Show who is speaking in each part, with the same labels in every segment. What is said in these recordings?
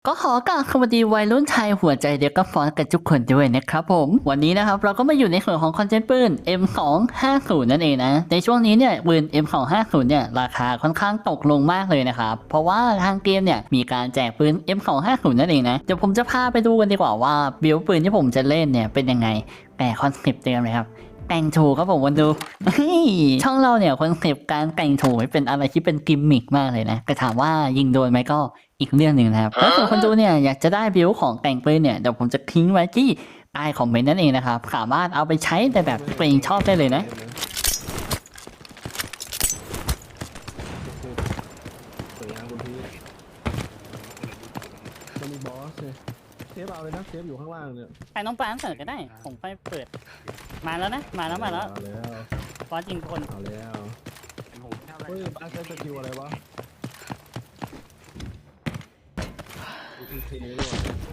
Speaker 1: ก็ขอกราบสวัสดีวัยรุ่นไทยหัวใจเดียวกับฟอนกันทุกคนด้วยนะครับผมวันนี้นะครับเราก็มาอยู่ในส่วนของคอนเทนต์ปืน M250 นั่นเองนะในช่วงนี้เนี่ยปืน M250 เนี่ยราคาค่อนข้างตกลงมากเลยนะครับเพราะว่าทางเกมเนี่ยมีการแจกปืน M250 นั่นเองนะเดี๋ยวผมจะพาไปดูกันดีกว่าว่าบิลปืนที่ผมจะเล่นเนี่ยเป็นยังไงแต่คอนเซปต์เดิมเลยครับแต่งถูกครับผมวันดูช่องเราเนี่ยคอนเซปต์การแต่งถูกเป็นอะไรที่เป็นกิมมิกมากเลยนะแต่ถามว่ายิงโดนไหมก็อีกเรื่องหนึ่งนะครับแล้วส่วนคนดูเนี่ยอยากจะได้บิลของแต่งปืนเนี่ยเดี๋ยวผมจะทิ้งไว้ที่ใต้คอมเมนต์นั่นเองนะครับสามารถเอาไปใช้แต่แบบตัวเองชอบได้เลยนะ
Speaker 2: สวยงามคุณพี่จะมีบอสเลยเซฟเอาเลยนะเซฟอยู่ข้างล่างเนี่ย
Speaker 3: ใครน้องปานเสิร์ฟก็ได้ผมค่อยเปิดมาแล้วนะมาแล้ว
Speaker 2: เอาแล้ว
Speaker 3: บอสยิงคน
Speaker 2: เอาแล้วเฮ้ยป้าใช้สกิลอะไรวะดูทีด้วย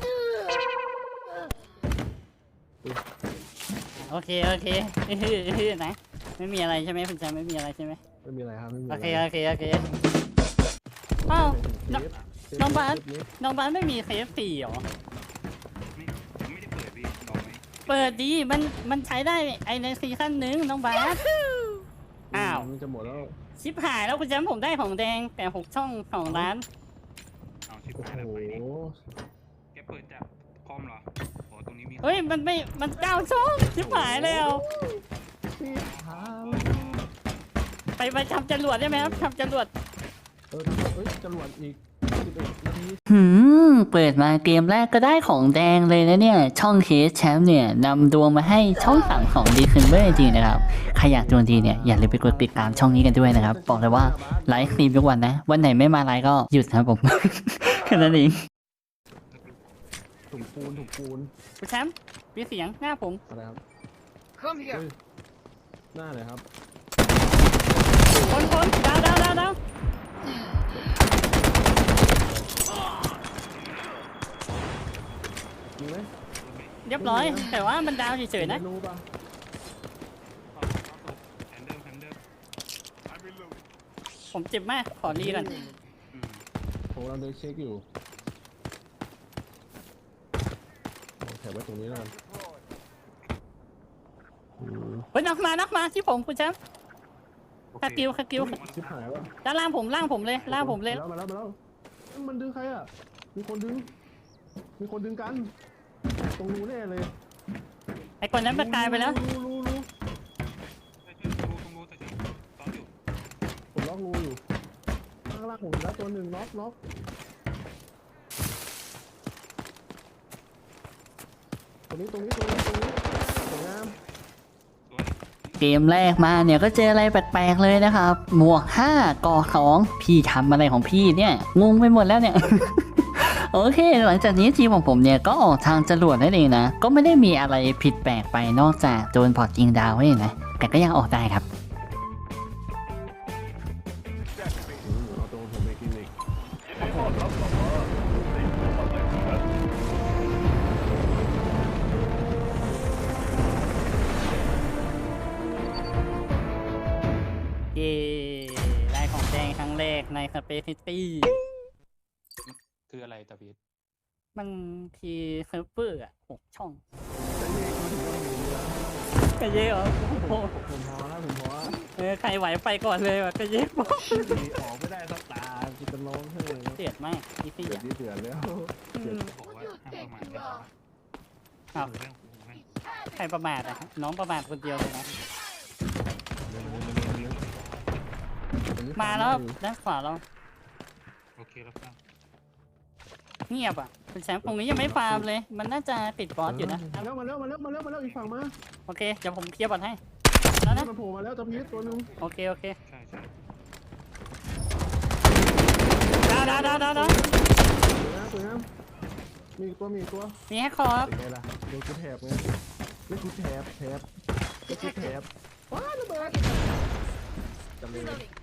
Speaker 3: โอเคนะไม่มีอะไรใช่ไหมคุณแจไม่มีอะไรใช่ไหม
Speaker 2: ไม่มีอะไรครับไม่มี
Speaker 3: โอ
Speaker 2: อะไร
Speaker 3: เคอ้าว
Speaker 2: เซฟ
Speaker 3: น้องบาส
Speaker 2: เซฟ
Speaker 3: น้องบ้านไม่มีเคฟสี่หรอ
Speaker 4: ไม่ได้เปิดพี่ลองไหม
Speaker 3: เปิดดีมันใช้ได้ไอในซีซั่นหนึ่งน้องบาสอ้าว
Speaker 2: มันจะหมดแล้ว
Speaker 3: ชิปหายแล้วคุณแจผมได้ของแดงแต่6 ช่องของร้าน
Speaker 4: เอาชิบ
Speaker 2: โอ้
Speaker 4: หายแล้ว
Speaker 2: โห
Speaker 4: ไปนี่แกเปิดจากคอมเหรอโอ้ตรงนี้มี
Speaker 3: เฮ้ยมัน9 ช่องชิปหายแล้ว
Speaker 2: พี่ทาง
Speaker 3: ไปทำจรวดได้ไหมครับทำจรวด
Speaker 2: เฮ้ยจรวดอีก11 นาที
Speaker 1: เปิดมาเกมแรกก็ได้ของแดงเลยนะเนี่ยช่องเคสแชมป์เนี่ยนำดวงมาให้ช่อง3ของดีคืนเบอร์จริงๆนะครับใครอยากดวงดีเนี่ยอย่าลืมไปกดติดตามช่องนี้กันด้วยนะครับบอกเลยว่าไลฟ์สตรีมทุกวันนะวันไหนไม่มาไลฟ์ก็หยุดนะครับผม แค่นั้นเอง
Speaker 2: ถุงปูน
Speaker 3: คุณแชมป์มีเสียงหน้าผม
Speaker 2: อะไรครับเฮ้ยหน้าเลยครับ
Speaker 3: คนดาว
Speaker 2: มีไหม
Speaker 3: เรียบร้อย แต่ว่ามันดาวเฉยๆนะ
Speaker 2: รู้ป่ะ
Speaker 4: แอนเดิม
Speaker 3: ผมเจ็บมาก ขอรีก่อน
Speaker 2: ผมกำลังเดินเช็คอยู่เอาแถบไว้ตรงนี้แล้วกัน
Speaker 3: เฮ้ยนักมาที่ผมคุณแชมป์คากิว
Speaker 2: ชิบหายแล้ว
Speaker 3: ด้านล่างผมเลย
Speaker 2: มาแล้วมันดึงใครอ่ะมีคนดึงกันตรงนู้นแน่เลย
Speaker 3: ไอ้คนนั้นมันตายไปแล้ว
Speaker 2: รู้
Speaker 4: รู้แต่ฉันตอนอยู่
Speaker 2: ผมล็อกรูอยู่ข้างล่างผมแล้วตัวหนึ่งล็อกตรงนี้สวยงาม
Speaker 1: เกมแรกมาเนี่ยก็เจออะไรแปลกๆเลยนะครับหมวก5ก่อ2พี่ทำอะไรของพี่เนี่ยงงไปหมดแล้วเนี่ย โอเคหลังจากนี้ทีมของผมเนี่ยก็ออกทางจรวดนั่นเองนะก็ไม่ได้มีอะไรผิดแปลกไปนอกจากโดนพอร์ตยิงดาวนี่นะแต่ก็ยังออกได้ครับ
Speaker 2: เอาตรงผมไปกินอีก
Speaker 3: เย้ได้ของแดงครั้งแรกในสเปซิตี้
Speaker 4: คืออะไรตาพีท
Speaker 3: มันทีเซิร์ฟเวอร์6 ช่องกระเยอะเหรอโอ้โห
Speaker 2: ผมพอแล้ว
Speaker 3: ใครไหวไปก่อนเลยว่ะกระเยอะ
Speaker 2: ออกไม่ได้สักตาจะเป็นร้องไห้
Speaker 3: เดือดมากนี่สิ
Speaker 2: เดือด
Speaker 3: อ่ะ
Speaker 2: นี่เดือดแล้ว
Speaker 4: บอกว่าห้ามประมาทเลย
Speaker 3: อ้าวใครประมาทอ่ะน้องประมาทคนเดียวเลยนะมาแล้วด้านขวาเรา
Speaker 4: โอเคแล้วครับ
Speaker 3: เงียบอ่ะคุณแชมป์ตรงนี้ยังไม่ฟาร์มเลย มันน่าจะติดบอสอยู่นะ
Speaker 2: มาแล้วอีกฝั่งมา
Speaker 3: โอเคเดี๋ยวผมเคลียร์บอลให้แล้วนะ
Speaker 2: มันโผล่มาแล้วตะพีตัวนึง
Speaker 3: โอเค
Speaker 4: ใช่
Speaker 3: ดาว
Speaker 2: สวยงามมีอีกตัว
Speaker 3: มีแฮกคอร์
Speaker 2: เป็นไงล่ะโดนกูแถบไงเล่นกูแถบว้าระเบิดจำเลย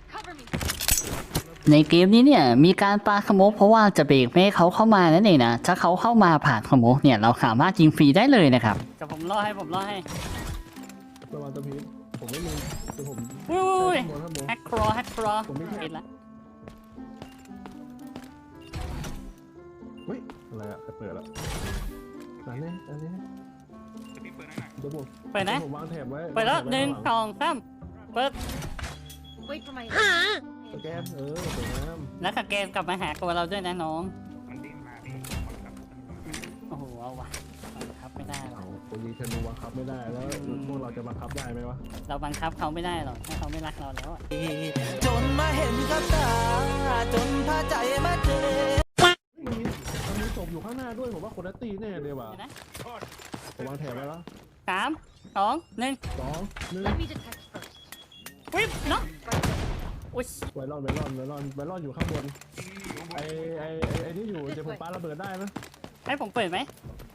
Speaker 1: ในเกมนี้เนี่ยมีการปาสโมกเพราะว่าจะเบรกไม่ให้เขาเข้ามานั่นเองนะถ้าเขาเข้ามาผ่านสโมกเนี่ยเราสามารถยิงฟรีได้เลยนะครับ
Speaker 3: จะผมล่อให้
Speaker 2: ระวังตะพีผมไม่มีแต่ผม
Speaker 3: อุ้ย
Speaker 2: ข้างบน
Speaker 3: แฮกครอ
Speaker 2: ผมไม่
Speaker 3: ปิดละ
Speaker 2: เฮ้ยอะไรอะไปเปิดละอันนี้
Speaker 4: จะพี่เปิดให้หน่อย
Speaker 2: เดี๋ยวผม
Speaker 3: เปิดนะ
Speaker 2: ผมวางแถบไว้
Speaker 3: เปิดแล้ว
Speaker 2: วางถบไว้
Speaker 3: หนึ่ง
Speaker 2: ข้า
Speaker 3: สองสามเปิด
Speaker 5: Wait for my
Speaker 2: สแกนสวยงาม
Speaker 3: แล้วสแกนกลับมาหาตัวเราด้วยนะน้อง
Speaker 4: มันดิ้นมาพี่มันครับ
Speaker 3: โอ้โหเอาว่ะบังคับไม่ได้หรอ
Speaker 2: เอา
Speaker 3: ก
Speaker 2: คนยิงธนูบังคับไม่ได้แล้วพวกเราจะบังคับได้ไหมวะ
Speaker 3: เราบังคับเขาไม่ได้หรอกถ้าเขาไม่รักเราแล้วอะ
Speaker 6: จนมาเห็นกับตา จนพาใจมาเจอ
Speaker 2: มันมีศพอยู่ข้างหน้าด้วยผมว่าคนละตีแน่เลยว่ะ
Speaker 3: เดี๋ยวนะ
Speaker 2: ผมวางแถบไว้แล้ว
Speaker 3: สามสองหนึ่ง
Speaker 2: 2 1
Speaker 5: Let me detect first.
Speaker 3: วิบเนาะอุ้ย
Speaker 2: ไวรอนอยู่ข้างบนไอ้นี่อยู่เดี๋ยวผมปาระเบิดได้นะ
Speaker 3: ให้ผมเปิดไหม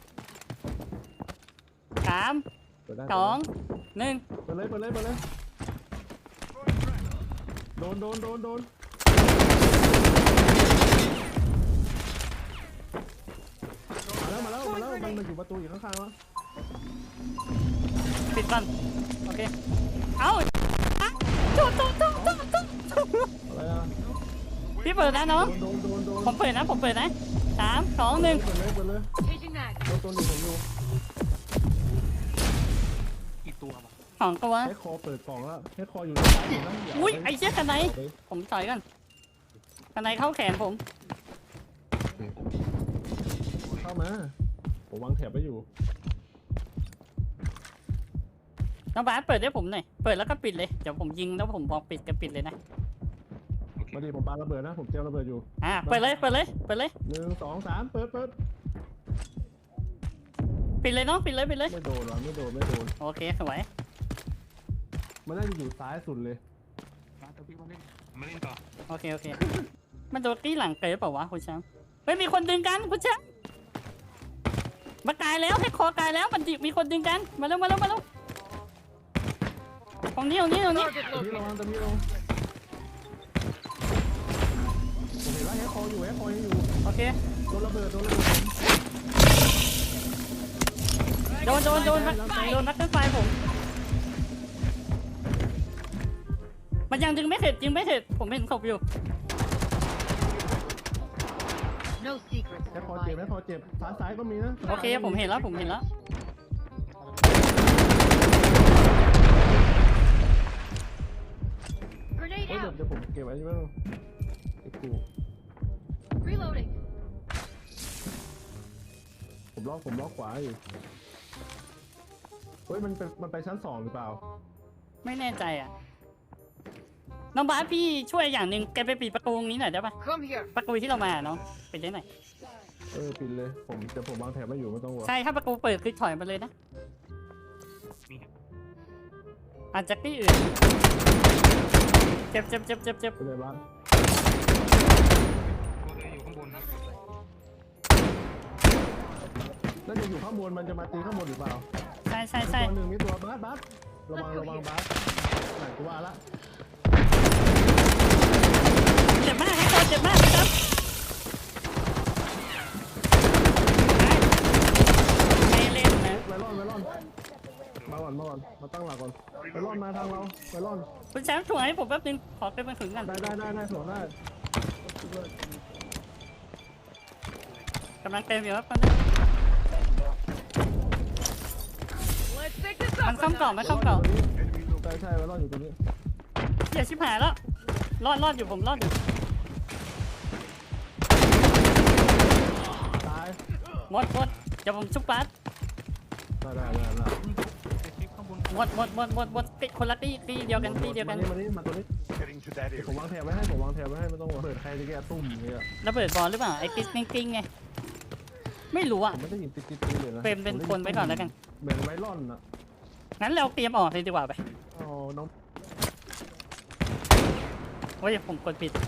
Speaker 3: สาม
Speaker 2: เปิดได้
Speaker 3: สองหนึ่ง
Speaker 2: เปิดเลยโดนมาแล้วมันอยู่ประตูอยู่ข้างๆวะ
Speaker 3: ปิดก่อนโอเคเอาตุ๊
Speaker 2: อะไรอ่ะ
Speaker 3: พี่เปิดนะน้อง
Speaker 2: โดน
Speaker 3: ผมเปิดนะสามสองหนึ่ง
Speaker 2: เปิดเลย
Speaker 5: Changing mag.
Speaker 2: โดนตัวหนึ่งผมอยู่
Speaker 4: กี่ตัววะ
Speaker 3: สองตัว
Speaker 2: ให้คอเปิดกล่องแล้วให้คออยู่ในซ้ายอยู่นะ
Speaker 3: อุ้ยไอ้เชี่ยกันไหนผมต่อยกันกันไหนเข้าแขนผม
Speaker 2: เข้ามาผมวางแถบไว้อยู่
Speaker 3: น้องบาสเปิดให้ผมหน่อยเปิดแล้วก็ปิดเลยเดี๋ยวผมยิงแล้วผมบอกปิดก็ปิดเลยนะ
Speaker 4: โอเค
Speaker 2: มาดิผมปาระเบิดนะผมเตรียมระเบิดอยู่
Speaker 3: เปิดเลย
Speaker 2: 1 2 3เปิด
Speaker 3: ปิดเลยน้องปิดเลย
Speaker 2: ไม่โดนวะไม่โดน
Speaker 3: โอเคสวย
Speaker 2: มันน่าจะอยู่ซ้ายสุดเลย
Speaker 4: มาตัวพี่มาเล่นมาเล่นต่อ
Speaker 3: โอเคมันโดนตีหลังเกยเปล่าวะคุณแชมป์เฮ้ยมีคนดึงกันคุณแชมป์มากายแล้วให้คอกายแล้วมันมีคนดึงกันมาเร็วตรงนี้
Speaker 5: Target
Speaker 2: ตะ
Speaker 5: located.
Speaker 2: พี่ระวังผมเห็นว่าให้คออยู่
Speaker 3: โอเค
Speaker 2: โดนระเบิด
Speaker 3: โดนนักขึ้นไฟผมมันยังดึงไม่เสร็จผมเห็นศพอยู่
Speaker 5: No secrets.
Speaker 2: ให้คอเจ็บซ้ายก็มีนะ
Speaker 3: โอเคผมเห็นแล้ว
Speaker 5: Grenade
Speaker 2: เดี๋ยว
Speaker 5: out.
Speaker 2: ผมเก็บไว้ใช่ไหมไอ้กู
Speaker 5: Reloading.
Speaker 2: ผมล็อกขวาอยู่เฮ้ยมันไปชั้น2หรือเปล่า
Speaker 3: ไม่แน่ใจอ่ะน้องบาสพี่ช่วยอย่างหนึ่งแกไปปิดประตูตรงนี้หน่อยได้ปะ
Speaker 5: Come here.
Speaker 3: ประตูที่เรามาน้องปิดได้หน่อย
Speaker 2: ปิดเลยผมวางแถบไว้อยู่ไม่ต้องห่วง
Speaker 3: ใช่ถ้าประตูเปิดคือถอยมาเลยนะ
Speaker 4: มี
Speaker 3: อาจจะที่อื่นเจ็บ
Speaker 2: ไปเลยบ้าน
Speaker 4: ตัวเลยอยู่ข้างบนนะ
Speaker 2: แล้วจะอยู่ข้างบนมันจะมาตีข้างบนหรือเปล่า
Speaker 3: ใช่
Speaker 2: ตัวหนึ่งมีตัวบัสระวังบัสไหนกูว่าละ
Speaker 3: เจ็บมากให้ตัวเจ็บมากครับไม่เล่นนะ
Speaker 2: ไวรอนมาก่อนมาตั้งหลักก่อนไวรอนมาทางเราไวรอน
Speaker 3: คุณแชมป์ถ่วงให้ผมแป๊บนึงขอไปมาถึงกัน
Speaker 2: ได้สวนได้
Speaker 3: กำลังเต็มอยู่ครับตอนนี้
Speaker 5: Let's take this
Speaker 3: มัน
Speaker 5: up.
Speaker 3: เข้ากล่องมันเข้ากล่อง
Speaker 2: ใช่ไวรอนอยู่ตรงนี้
Speaker 3: อย่าชิบหายแล้วรอดอยู่ผมรอดอยู่
Speaker 2: ตาย
Speaker 3: หมดเดี๋ยวผมชุบบัส
Speaker 2: ได้
Speaker 4: ไอ้คลิปข้างบน
Speaker 3: หมดติดคนละตีเดียวกัน
Speaker 2: มาตัวนี้ ผมวางแถบไว้ให้ไม่ต้องเปิดใครจะแก้ตุ้มเนี่ย
Speaker 3: ระเบิดบอลหรือเปล่าไอ้ติ๊กกิ้งไงไม่รู้อ่ะ
Speaker 2: ผมไม่ได้ยินติ๊ดเลยนะ
Speaker 3: เป็นคนไว้ก่อนแล้วกัน
Speaker 2: เหมือนไวรอนอ่ะ
Speaker 3: งั้นเราเตรียมออกเลยดีกว่าไป
Speaker 2: อ๋อน้อง
Speaker 3: โอ้ยผมกดผิด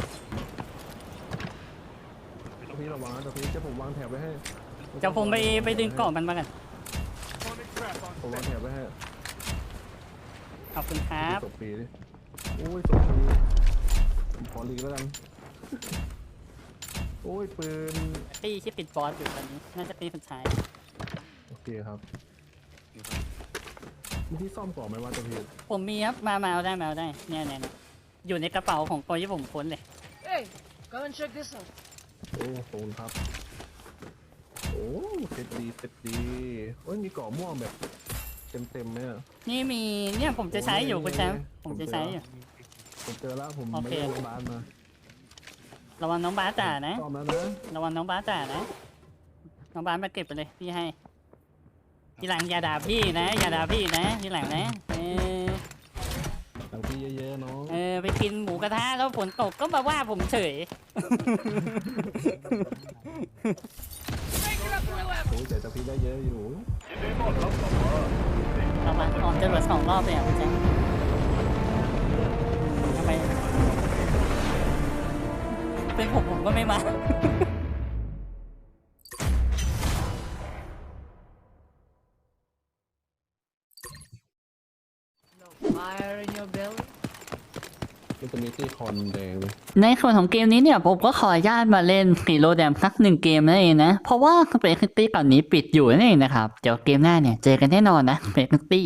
Speaker 2: พี่ระวังนะพี่จะผมวางแถบไว้ให้
Speaker 3: เดี๋ยวผมไปดึงกล่องมันมากัน
Speaker 2: ผมวางแถบไว้ให้
Speaker 3: ขอบคุณครับ
Speaker 2: ศพปีดิโอ้ยศพปีผมขอลีกแล้วกันโอ้ยปืน
Speaker 3: ตีที่ปิดบอสอยู่ตอนนี้น่าจะตีสุดท้าย
Speaker 2: โอเคครับมีที่ซ่อมก่อนไหมว่าตัวพี่
Speaker 3: ผมมีครับมาเอาได้เนี่ยอยู่ในกระเป๋าของตัวที่ผมค้นเลย
Speaker 5: Hey, come and check this out.
Speaker 2: โอ้ขอบคุณครับเซ็ตดีโอ้ยมีเกาะม่วงแบบเต็มไหมอ่ะ
Speaker 3: นี่มีเนี่ยผมจะใช้อยู่คุณแชมป์
Speaker 2: โอ้ย
Speaker 3: ผมจะใช้อยู่
Speaker 2: ผมเจอแล้วผม
Speaker 3: โอ
Speaker 2: ไม่
Speaker 3: เค
Speaker 2: ได้โรงพยาบาลมา
Speaker 3: ระวังน้องบาสจ่านะ
Speaker 2: ซ่อมแล้วนะ
Speaker 3: ระวังน้องบาสจ่านะน้องบาสมาเก็บไปเลยพี่ให้ทีหลังอย่าด่าพี่นะอย่าด่าพี่นะทีหลังนะ
Speaker 2: ตังพี่เยอะๆน้อง
Speaker 3: ไปกินหมูกระทะแล้วฝนตกก็มาว่าผมเฉย
Speaker 2: โอ้ยแต่ตังพี่ได้เยอะอยู่
Speaker 3: เรามาออกจรวด2 รอบเลยอ่ะคุณแจ๊คทำไมเป็นผมก็ไม่มา
Speaker 5: Fire in your belly.
Speaker 2: มันจะมีตี้คอนแดงเลย
Speaker 1: ในส่วนของเกมนี้เนี่ยผมก็ขออนุญาตมาเล่นฮีโร่แดมสัก1 เกมนั่นเองนะ เพราะว่าสเปคตี้ก่อนนี้ปิดอยู่นั่นเองนะครับ เดี๋ยวเกมหน้าเนี่ยเจอกันแน่นอนนะสเปคตี้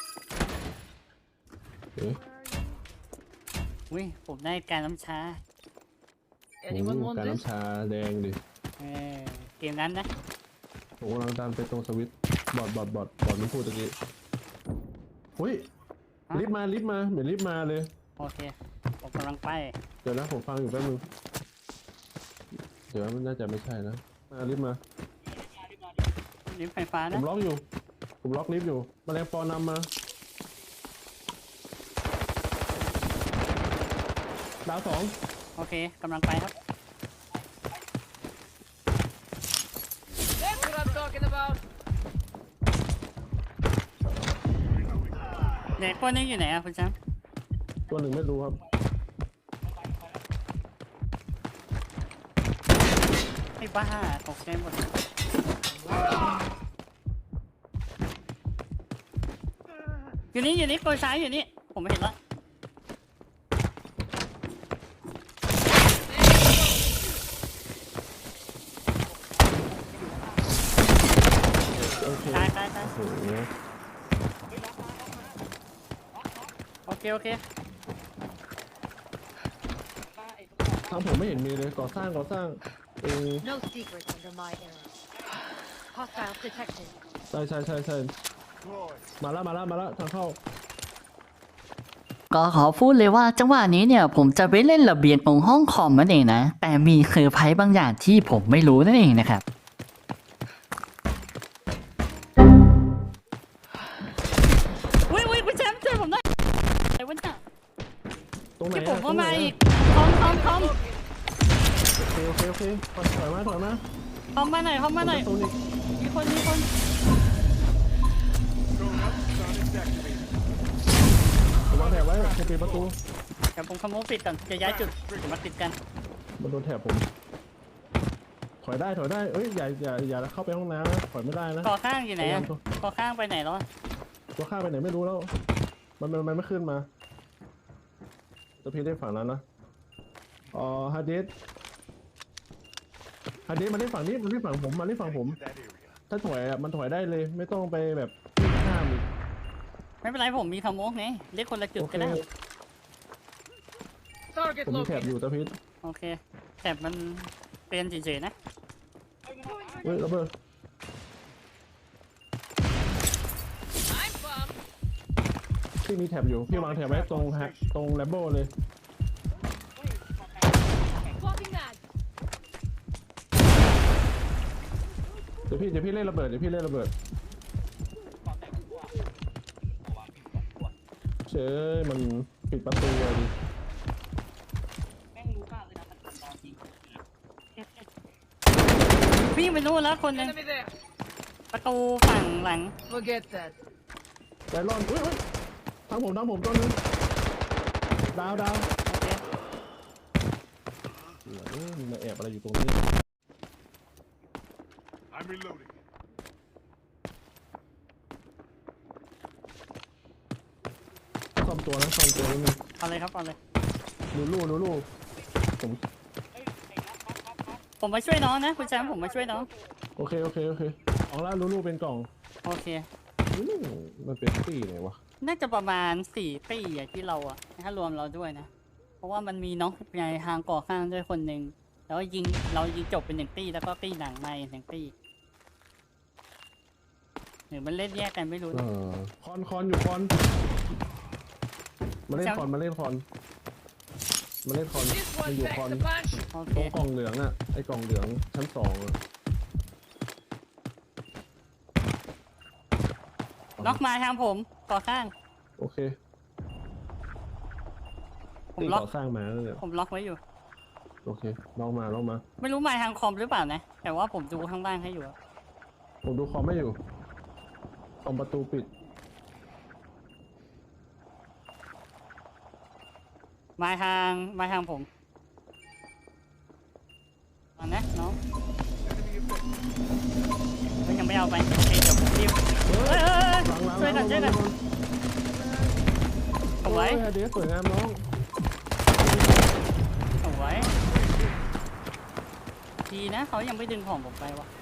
Speaker 2: เอ๊ะ
Speaker 3: อุ้ยผมได้การน้ำชา
Speaker 5: Anyone
Speaker 2: โอ้
Speaker 5: want
Speaker 2: การ
Speaker 5: this?
Speaker 2: น้ำชาแดงดิ
Speaker 3: เกมนั้นนะ
Speaker 2: ผมกำลังดันไปตรงสวิตช์บอดมันพูดตะกี้หุ้ยลิฟต์มาเหมือนลิฟต์มาเลย
Speaker 3: โอเคผมกำลังไป
Speaker 2: เดี๋ยวนะผมฟังอยู่แป๊บนึงเดี๋ยวมันน่าจะไม่ใช่นะมาลิฟต์มา
Speaker 3: ลิฟต์ไฟฟ้า
Speaker 2: ผ
Speaker 3: นะ
Speaker 2: มล็อกลิฟต์อยู่แมลงปอนำมาดาว 2
Speaker 3: โอเคกำลังไปครับ
Speaker 5: That's what I'm talking about.
Speaker 3: เด็กคนนี้อยู่ไหนอะคุณแชมป์
Speaker 2: ตัวหนึ่งไม่รู้ครับ
Speaker 3: ไอ้บ้าตกใจหมดอยู่นี่ตัวซ้ายอยู่นี่ผมไม่เห็นละ
Speaker 2: โอเค
Speaker 3: ตาย
Speaker 2: โอ้โห
Speaker 3: โอเค
Speaker 2: ทางผมไม่เห็นมีเลยก่อสร้าง
Speaker 5: No secrets under my arrows. Hostiles detected.
Speaker 2: ใช่มาแล้วทางเข้า
Speaker 1: ก็ขอพูดเลยว่าจังหวะนี้เนี่ยผมจะไปเล่นระเบียงตรงห้องคอมนั่นเองนะ แต่มีเซอร์ไพรส์บางอย่างที่ผมไม่รู้นั่นเองนะครับ
Speaker 3: อุ้ยคุณแชมป์ช่วยผมหน่อยไอ้วันน่ะ
Speaker 2: ตรงไหน
Speaker 3: ที่
Speaker 2: อะ
Speaker 3: ผมก็
Speaker 2: ตรงไหน
Speaker 3: มา
Speaker 2: อะ
Speaker 3: อีกคอม
Speaker 2: โอเคถอยมา
Speaker 3: คอมมาหน่อย
Speaker 2: ตรงนี้
Speaker 3: มีคน
Speaker 2: วางแถบไว้จะปิดประตู
Speaker 3: เดี๋ยวผมขโมยปิดก่อนจะย้ายจุดเดี๋ยวมาติดกัน
Speaker 2: มันโดนแถบผม ถอยได้เอ้ยอย่าเข้าไปห้องน้ำนะถอยไม่ได้นะ
Speaker 3: ก่อข้างอยู่ไหนอะก่อข้างไปไหนแล้ว
Speaker 2: ตัวข้ามไปไหนไม่รู้แล้วมันไม่ขึ้นมาตัวพี่ได้ฝั่งนั้นนะฮาร์ดดิสมาได้ฝั่งนี้มันได้ฝั่งผม ถ้าถอยอ่ะมันถอยได้เลย ไม่ต้องไปแบบข้ามอีก
Speaker 3: ไม่เป็นไรผมมีขโมยไงเรียกคนละจุด
Speaker 2: โอเค
Speaker 3: ก็ได้
Speaker 5: Target
Speaker 2: ผมมีแถบ
Speaker 5: located.
Speaker 2: อยู่ตะพิษ
Speaker 3: โอเคแต่มันเป็นเฉยๆนะ
Speaker 2: เฮ้ยระเบิด
Speaker 5: I'm bummed.
Speaker 2: พี่มีแถบอยู่พี่วางแถบไว้ตรงแลมโบ้เลย
Speaker 5: Swapping mag.
Speaker 2: เดี๋ยวพี่เล่นระเบิดเชยมันปิดประตูเลยดิ
Speaker 3: วิ่งไปนู่นแล้วคนหนึง
Speaker 5: Enemy there.
Speaker 3: ประตูฝั่งหลัง
Speaker 5: Forget that.
Speaker 2: ใจร้อนอุ้ยทางผมตัวนึงดาว
Speaker 3: โอเค
Speaker 2: มีมาแอบอะไรอยู่ตรงนี้
Speaker 7: I'm reloading.
Speaker 2: ซ่อมตัวนิดนึง
Speaker 3: เอาเลยครับเอาเลย
Speaker 2: ลูผม
Speaker 3: ผมมาช่วยน้องนะคุณแชมป์ผมมาช่วยน้อง
Speaker 2: โอเคเอาละลูเป็นกล่อง
Speaker 3: โอเค
Speaker 2: มันเป็นตี้ไหนวะ
Speaker 3: น่าจะประมาณ4 ปีอะที่เราอะถ้ารวมเราด้วยนะ เพราะว่ามันมีน้องในทางก่อข้างด้วยคนหนึ่งแล้วเรายิงจบเป็น1 ปีแล้วก็ปีหลังมาอีก1 ปีหรือมันเล่นแยกกันไม่รู้
Speaker 2: เอ
Speaker 3: นะ
Speaker 2: อคอนอยู่คอนมาเล่นคอนมาเล่นคอนมาเล่นคอน
Speaker 5: This
Speaker 2: มัน
Speaker 5: one
Speaker 2: อยู่
Speaker 5: packs
Speaker 2: คอน
Speaker 5: the punch.
Speaker 3: โอเค
Speaker 2: ตรงกล่องเหลืองน่ะไอ้กล่องเหลืองชั้น2อ่ะ
Speaker 3: ล็อกมาทางผมก่อข้าง
Speaker 2: โอเค
Speaker 3: ผม
Speaker 2: ตี
Speaker 3: ล็อก
Speaker 2: ก่อสร้างมาแล้วเนี่ย
Speaker 3: ผมล็อกไว้อยู่
Speaker 2: โอเคลองมา
Speaker 3: ไม่รู้มาทางคอมหรือเปล่านะ แต่ว่าผมดูข้างล่างให้อยู่อะ
Speaker 2: ผมดูคอมไม่อยู่คอมประตูปิด
Speaker 3: มาทางผมมานะน้องเฮ้ยยังไม่เอาไปโอเคเดี๋ยวผมรีบ
Speaker 2: เฮ้ย
Speaker 3: เฮ้ย
Speaker 2: หลัง
Speaker 3: ช่วยกันเอาไว้
Speaker 2: เฮ้ยเดี๋ยวสวยงามน้อง
Speaker 3: เอาไว้ดีนะเขายังไม่ดึงของผมไปวะ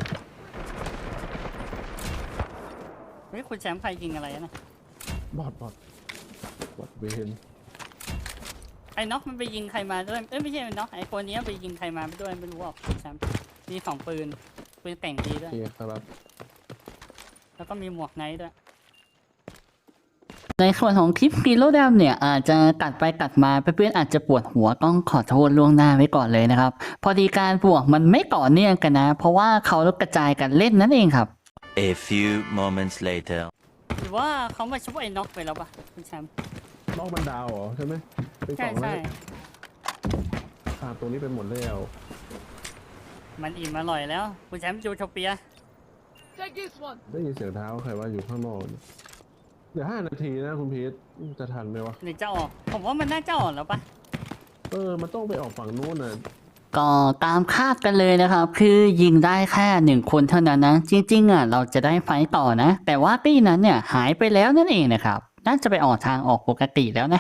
Speaker 3: เฮ้ยคุณแชมป์ใครยิงอะไรนะ
Speaker 2: บอดเวน
Speaker 3: ไอ้น็อกมันไปยิงใครมาด้วยเอ้ยไม่ใช่ไอ้น็อกไอ้คนนี้ไปยิงใครมาด้วยไม่รู้อ่ะคุณแชมป์มีสองปืนแต่งดีด้
Speaker 2: โอ
Speaker 3: วย
Speaker 2: เคครับ
Speaker 3: แล้วก็มีหมวกไนท์ด้วย
Speaker 1: ในส่วนของคลิปกิโลดำเนี่ยอาจจะกัดไปกัดมาเพื่อนๆอาจจะปวดหัวต้องขอโทษล่วงหน้าไว้ก่อนเลยนะครับ พอดีการบวกมันไม่ต่อเนื่องกันนะ เพราะว่าเขากระจายกันเล่นนั่นเองครับ
Speaker 7: A few moments later.
Speaker 3: หรือว่าเขามาช่วยไอ้น็อกไปแล้วปะคุณแชมป์
Speaker 2: น้องมันดาวเหรอใช่ไหมเป็นก
Speaker 3: ใช่
Speaker 2: ล่องแล้
Speaker 3: ใช่
Speaker 2: วขาดตรงนี้ไปหมดแล้ว
Speaker 3: มันอิ่มอร่อยแล้วคุณแชมป์จูโทเปีย
Speaker 5: Take this one.
Speaker 2: ได้ยินเสียงเท้าใครว่าอยู่ข้างนอกเดี๋ยว5 นาทีนะคุณพีทจะทันไหมวะ
Speaker 3: หรือจะออกผมว่ามันน่าจะออกแล้วปะ
Speaker 2: มันต้องไปออกฝั่งนู้นน่ะ
Speaker 1: ก็ตามคาดกันเลยนะครับ คือยิงได้แค่1 คนเท่านั้นนะ จริงๆอ่ะเราจะได้ไฟต์ต่อนะ แต่ว่าตี้นั้นเนี่ยหายไปแล้วนั่นเองนะครับ น่าจะไปออกทางออกปกติแล้วนะ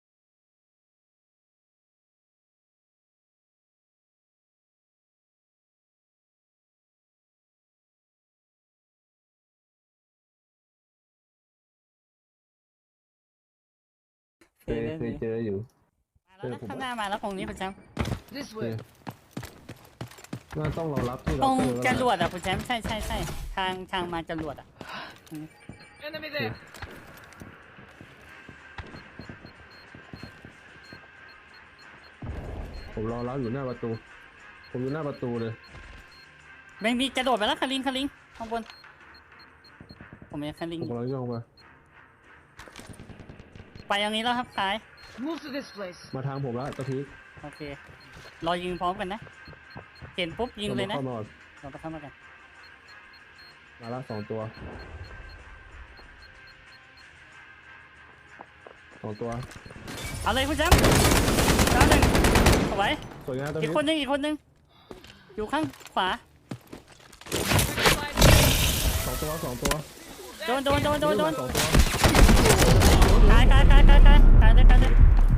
Speaker 2: เคยเจออยู่
Speaker 3: มาแล้วนะข้างหน้ามาแล้วตรงนี้คุณแชมป์
Speaker 5: This
Speaker 2: โอเค
Speaker 5: way.
Speaker 2: น่าต้องรอรับที่
Speaker 3: ต
Speaker 2: เรา
Speaker 3: รง
Speaker 2: เจอ
Speaker 3: จ
Speaker 2: แล้ว
Speaker 3: รวดอ่ะคุณแชมป์ใช่ทางมาจรวดอ่ะ
Speaker 5: Enemy there.
Speaker 2: ผมรอรับอยู่หน้าประตู ผมอยู่หน้าประตูเลย
Speaker 3: ไม่มีกระโดดไปแล้วคาริงข้างบนผมมีคาริง
Speaker 2: ผมกำลังย่องไป
Speaker 3: ไปอย่างนี้แล้วครับซ้าย
Speaker 5: Move to this place.
Speaker 2: มาทางผมแล้วตะพีท
Speaker 3: โอเครอยิงพร้อมกันนะเห็นปุ๊บยิงเลยนะ
Speaker 2: เข้ามาก่อน
Speaker 3: เราไปเข้ามากัน
Speaker 2: มาละ2 ตัว 2 ตัว
Speaker 3: เอาเลยคุณแชมป์แล้วหนึ่งเอาไว้
Speaker 2: สวยงามตะ
Speaker 3: อี
Speaker 2: พี
Speaker 3: ก
Speaker 2: ท
Speaker 3: คนหนึงอยู่ข้างขวา
Speaker 2: 2 ตัว
Speaker 3: โดน
Speaker 2: 2 ตัว
Speaker 3: ตายเลย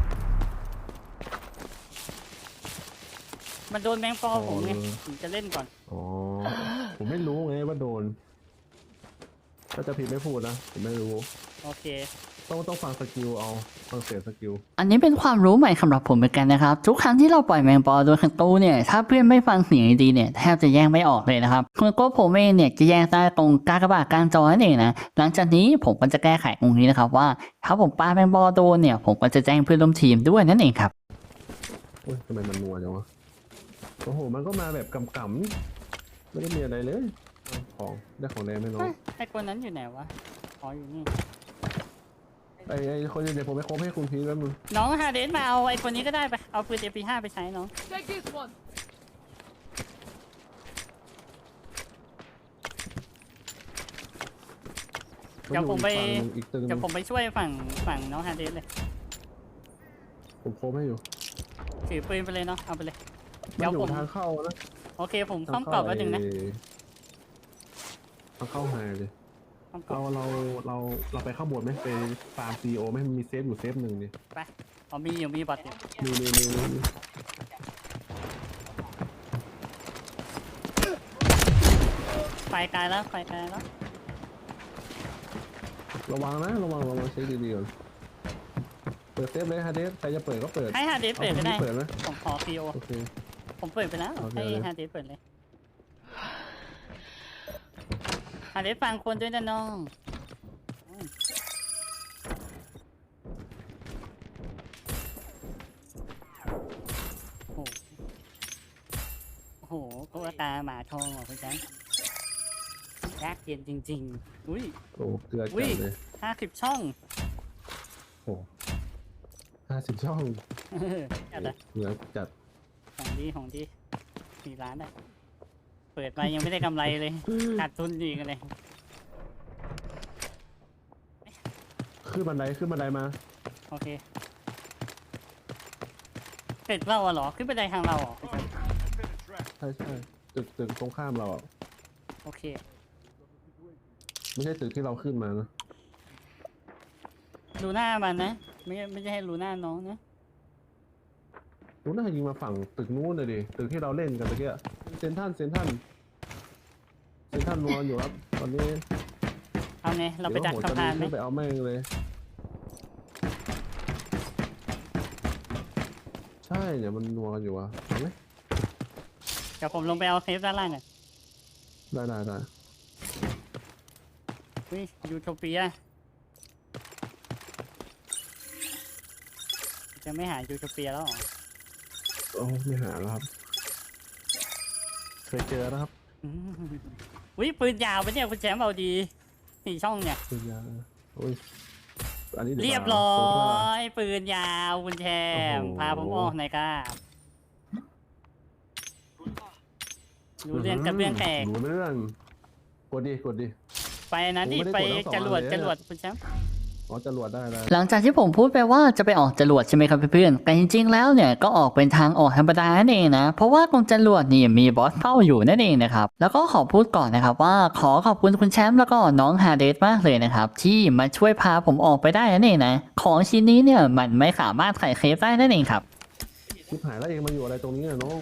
Speaker 3: มันโดนแมงปอผมไงผมจะเล่นก่อน
Speaker 2: อ๋อ ผมไม่รู้ไงว่าโดนถ้าจะผิดไม่พูดนะ ผมไม่รู้
Speaker 3: โอเค
Speaker 2: ต้องฟังสกิลเอา ฟังเสียงสกิล
Speaker 1: อันนี้เป็นความรู้ใหม่สำหรับผมเหมือนกันนะครับ ทุกครั้งที่เราปล่อยแมงปอโดยคันตู้เนี่ยถ้าเพื่อนไม่ฟังเสียงดีๆเนี่ยแทบจะแยกไม่ออกเลยนะครับคุณโก้ผมเองเนี่ยจะแยกได้ตรงกากบาทกลางจอนั่นเองนะหลังจากนี้ผมก็จะแก้ไขตรงนี้นะครับว่าถ้าผมปาแมงปอโดนเนี่ยผมก็จะแจ้งเพื่อนร่วมทีมด้วยนั่นเองครับ
Speaker 2: อุ้ยทำไมมันนัวจังวะ โอ้โห มันก็มาแบบกำๆนี่ไม่ได้มีอะไรเลยเอาของได้ของแดงไหมน้อง
Speaker 3: ไอ้คนนั้นอยู่ไหนวะอ๋ออยู่นี่
Speaker 2: ไอ้คนเดี๋ยวผมไปโคบให้คุณพีทแป๊บนึง
Speaker 3: น้องฮาเดนมาเอาไอ้คนนี้ก็ได้ไปเอาปืน MP5 ไปใช้น้อง
Speaker 5: Take this one.
Speaker 3: เดี๋ยวผมไป
Speaker 2: อีกตึงห
Speaker 3: เดี๋
Speaker 2: นึ่
Speaker 3: ยว
Speaker 2: ง
Speaker 3: ผมไปช่วยฝั่งน้องฮาเดนเลย
Speaker 2: ผมโคบให้อยู่
Speaker 3: ถือปืนไปเลยเนาะเอาไปเลย
Speaker 2: มั
Speaker 3: เดี๋
Speaker 2: น
Speaker 3: ยว
Speaker 2: อยู่
Speaker 3: ผม
Speaker 2: ทางเข้านะ
Speaker 3: โอเคผมข้อมกรอบไว้หนึ่งนะ
Speaker 2: ทางเข้าไฮเลย
Speaker 3: ข้อมกรอบ
Speaker 2: เราไปข้างบนไหมไปฟาร์มซีโอไหมมันมีเซฟอยู่เซฟหนึ่งนี่
Speaker 3: ไปอ๋อมีบัตรอยู่
Speaker 2: มี
Speaker 3: ไฟไกลแล้ว
Speaker 2: ระวังนะระวังเช็คดีๆก่อนเปิดเซฟเลยฮะเดสใครจะเปิดก็เปิด
Speaker 3: ให้ฮาเดนเปิดก็ได้
Speaker 2: อาคนที่เปิดไหม
Speaker 3: ผมขอ PO
Speaker 2: โอเค
Speaker 3: ผมเปิดไปแล้ว
Speaker 2: โอเค
Speaker 3: ให้
Speaker 2: เลย
Speaker 3: ฮาเดนเปิดเลยได้ฟังคนด้วยนะน้องโอ้โหตุ๊กตาหมาทองเหรอคุณแชมป์ยากเย็นจริงๆอุ้ย
Speaker 2: โอ้เกลือจั
Speaker 3: อุ้ย
Speaker 2: ดเลย
Speaker 3: 50 ช่อง
Speaker 2: โอ้50 ช่อง
Speaker 3: จัดอะ
Speaker 2: เกลือจัด
Speaker 3: ของดี4 ล้านอะเปิดมายังไม่ได้กำไรเลยขาดทุนอีกเลย
Speaker 2: ขึ้นบันไดมา
Speaker 3: โอเคเสร็จเราอะเหรอขึ้นไปได้ทางเราเหรอ
Speaker 2: ใช่ตึกตรงข้ามเราอ่ะ
Speaker 3: โอเค
Speaker 2: ไม่ใช่ตึกที่เราขึ้นมานะ
Speaker 3: ดูหน้ามันนะไม่ใช่ให้รู้หน้าน้องนะ
Speaker 2: รู้น่ายิงมาฝั่งตึกนู้นเลยดิตึกที่เราเล่นกันตะเกียเซนทันนอนอยู่ครับตอนนี้
Speaker 3: เอาไงเราไปดักสะพานไหม
Speaker 2: เดี๋ยวโหจะไปเอาแม่งเลย ใช่เนี่ยมันนัวกันอยู่อ่ะเอาไหม
Speaker 3: เดี๋ยวผมลงไปเอาเซฟด้านล่างอ่ะ
Speaker 2: ได้
Speaker 3: อุ้ยยูโทเปียจะไม่หายูโทเปียแล้วเหรอ
Speaker 2: โอ้ไม่หาแล้วครับ เคยเจอแล้วครับ
Speaker 3: อืมอุ้ยปืนยาวไปเนี่ยคุณแชมป์เอาดี4 ช่องเนี่ย
Speaker 2: ปืนยาโอ้ยอันนี้ดี๋ว
Speaker 3: เรียบร้อ
Speaker 2: โซฟา
Speaker 3: ยปืนยาวคุณแชมป์
Speaker 2: โอ้โห
Speaker 3: พาผมออกหน่อยครับรู้เรื่องกับเรื่องแตก
Speaker 2: รู้เรื่องกดดิ
Speaker 3: ไปนะที่
Speaker 2: ผม
Speaker 3: ไป
Speaker 2: ไม่ได้กดทั้งสอง
Speaker 3: จรวด
Speaker 2: อันเลย
Speaker 3: คุณแชมป์
Speaker 2: อ๋อจรวดได้
Speaker 1: หลังจากที่ผมพูดไปว่าจะไปออกจรวดใช่ไหมครับเพื่อนๆแต่จริงๆแล้วเนี่ยก็ออกเป็นทางออกธรรมดานั่นเองนะเพราะว่าตรงจรวดนี่มีบอสเฝ้าอยู่นั่นเองนะครับแล้วก็ขอพูดก่อนนะครับว่าขอขอบคุณคุณแชมป์แล้วก็น้องฮาเดสมากเลยนะครับที่มาช่วยพาผมออกไปได้นั่นเองนะของชิ้นนี้เนี่ยมันไม่สามารถไขเคฟได้นั่นเองครับ
Speaker 2: ชิบหายแล้วเองมาอยู่อะไรตรงนี้น่ะน้อง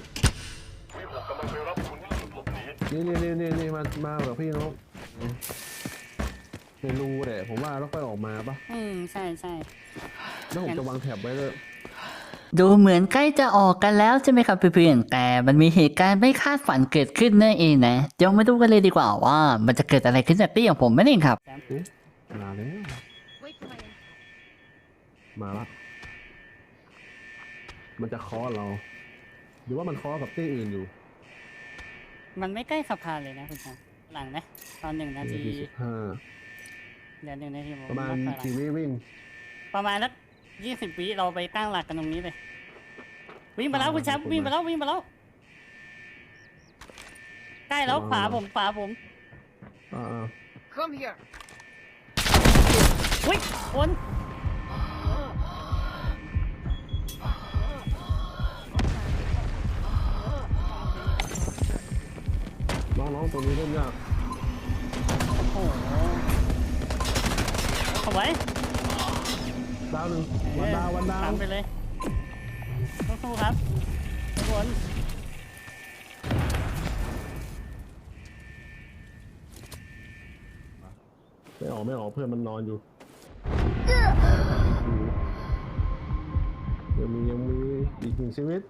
Speaker 2: นี่มาแบบพี่น้องไม่รู้แหละผมว่าต้องไปออกมาปะ
Speaker 3: ใช่
Speaker 2: แล้วผมจะวางแถบไว้เลย
Speaker 1: ดูเหมือนใกล้จะออกกันแล้วใช่ไหมครับเพื่อนๆแต่มันมีเหตุการณ์ไม่คาดฝันเกิดขึ้นนั่นเองนะเดี๋ยวมาดูกันเลยดีกว่าว่ามันจะเกิดอะไรขึ้นจากตี้ของผมนั่นเองครับ
Speaker 2: มาแล้ว
Speaker 8: Wait for my info.
Speaker 2: มาละมันจะเคอเรา หรือว่ามันเคอกับตี้อื่นอยู่
Speaker 3: มันไม่ใกล้สะพานเลยนะคุณแชมป์หลังนะตอน1 นาที
Speaker 2: 15
Speaker 3: เดี๋ยว1 นาทีผม
Speaker 2: ประมาณ
Speaker 3: นับถอยหลัง
Speaker 2: กี่วิวิ่ง
Speaker 3: ประมาณสัก20 วิเราไปตั้งหลักกันตรงนี้เลยวิ่งไปแล้วคุณแชมป์วิ่งไปแล้วใกล้แล้วขวาผม
Speaker 2: อ่า
Speaker 8: Come here.
Speaker 3: อุ้ยคน
Speaker 2: น้องๆตรงนี้เล่นยาก
Speaker 3: โอ้โหเอาไว้
Speaker 2: ดาวหนึ่งวันดาว
Speaker 3: ตามไปเลยสู้ๆครับทุกคน
Speaker 2: ไม่ออกเพื่อนมันนอนอยู่ยังมีอีก1 ชีวิต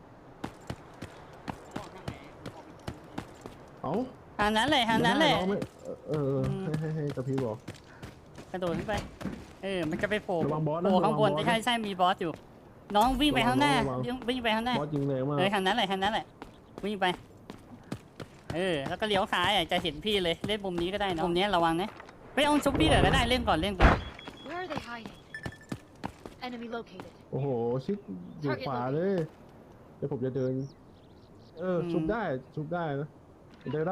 Speaker 2: เอ้า
Speaker 3: ทางนั้นเลย
Speaker 2: น้องไม่ให้ตะพีบอก
Speaker 3: กระโดดขึ้นไปมันจะไปโผล่
Speaker 2: ระวังบอสนะ
Speaker 3: โผล่ข้างบน
Speaker 2: ระวังบอสนะ
Speaker 3: ใช่มีบอสอยู่ น้องวิ่งไปข้างหน้า
Speaker 2: ระวัง
Speaker 3: วิ่งไปข้างหน้า
Speaker 2: บอสยิงแรงมาก
Speaker 3: ทางนั้นแหละวิ่งไปแล้วก็เลี้ยวซ้ายจะเห็นพี่เลยเล่นมุมนี้ก็ได้นะมุมนี้ระวังนะไปเอาชุบพี่ก็ได้เล่นก่อน
Speaker 8: Where are they hiding? Enemy located.
Speaker 2: โอ้โหชิดอยู่ขวาเลยเดี๋ยวผมจะเดินชุบได้นะมันเดิน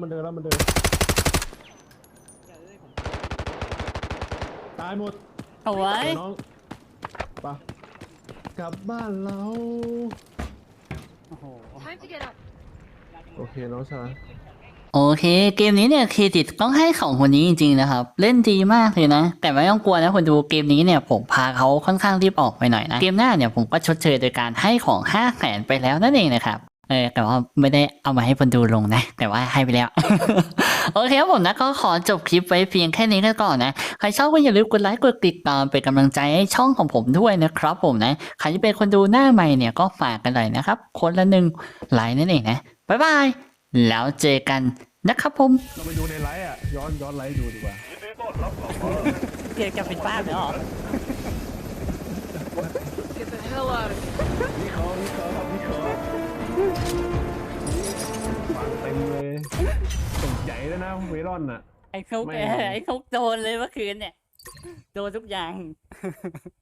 Speaker 2: ตายหมด
Speaker 3: เอาไว้
Speaker 2: น้องไปกลับบ้านเรา
Speaker 3: โอ้โห
Speaker 8: Time to get up.
Speaker 2: โอเคน้องชาย
Speaker 1: โอเคเกมนี้เนี่ยเครดิตต้องให้ของคนนี้จริงๆนะครับเล่นดีมากเลยนะแต่ไม่ต้องกลัวนะคนดูเกมนี้เนี่ยผมพาเขาค่อนข้างรีบออกไปหน่อยนะเกมหน้าเนี่ยผมก็ชดเชยโดยการให้ของ500,000ไปแล้วนั่นเองนะครับแต่ว่าไม่ได้เอามาให้คนดูลงนะแต่ว่าให้ไปแล้ว โอเคครับผมนะก็ขอจบคลิปไว้เพียงแค่นี้กันก่อนนะใครชอบก็อย่าลืมกดไลค์กดติดตามเป็นกำลังใจให้ช่องของผมด้วยนะครับผมนะใครที่เป็นคนดูหน้าใหม่เนี่ยก็ฝากกันหน่อยนะครับคนละ1 ไลค์นั่นเองนะบ๊ายบายแล้วเจอกันนะครับผม
Speaker 2: เราไปดูในไลฟ์อ่ะย้อนไลฟ์ดูดีกว่า
Speaker 3: เกียร์จะเป็นบ้าไปหรอ
Speaker 5: Get the hell out of here.
Speaker 2: วิเคราะห์ฟังเต็มเลยตกใหญ่แล้วนะเวรอนอ่ะ
Speaker 3: ไอ้เขา
Speaker 2: ไม่
Speaker 3: ไอ้เขาโดนเลยเมื่อคืนเนี่ย โดนทุกอย่าง